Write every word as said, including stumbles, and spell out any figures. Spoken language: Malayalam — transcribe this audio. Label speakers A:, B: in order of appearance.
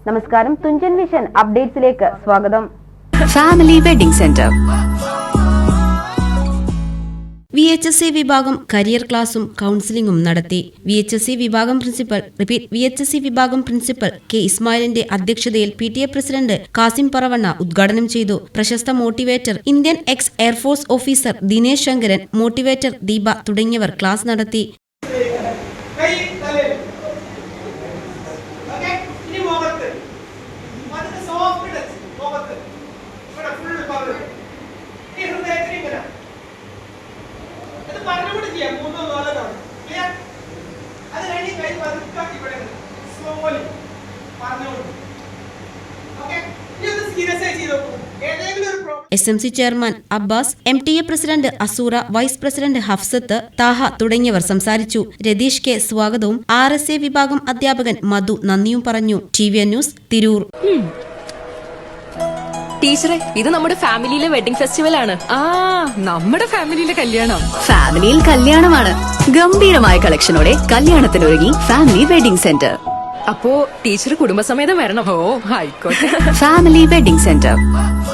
A: നമസ്കാരം, തുഞ്ചൻ വിഷൻ അപ്ഡേറ്റ്സിലേക്ക് സ്വാഗതം.
B: Family wedding centre
C: V H S C വിഭാഗം കരിയർ ക്ലാസും കൗൺസിലിംഗും നടത്തി. വി എച്ച് എസ് സി വിഭാഗം principal repeat V H S C വിഭാഗം പ്രിൻസിപ്പൽ കെ ഇസ്മായിലിന്റെ അധ്യക്ഷതയിൽ P T A president Kasim Paravanna ഉദ്ഘാടനം ചെയ്തു. പ്രശസ്ത motivator Indian ex air force officer Dinesh Sankaran, motivator Deepa തുടങ്ങിയവർ ക്ലാസ് നടത്തി. S M C chairman Abbas, M T A president Asura, vice president Hafsath, Thaha തുടങ്ങിയവർ സംസാരിച്ചു. രതീഷ് കെ സ്വാഗതവും ആർ എസ് എ വിഭാഗം അധ്യാപകൻ മധു നന്ദിയും പറഞ്ഞു. T V N news, Tirur.
D: ടീച്ചറെ, ഇത് നമ്മുടെ ഫാമിലിയിലെ വെഡിങ് ഫെസ്റ്റിവൽ ആണ്.
E: ആ നമ്മുടെ ഫാമിലിയിലെ കല്യാണം.
B: ഫാമിലിയിൽ കല്യാണമാണ്. ഗംഭീരമായ കളക്ഷനോടെ കല്യാണത്തിനൊരുങ്ങി ഫാമിലി വെഡിംഗ് സെന്റർ.
D: അപ്പോ ടീച്ചർ കുടുംബസമേതം വരണം.
E: ഓ ആയിക്കോട്ടെ.
B: Family wedding centre.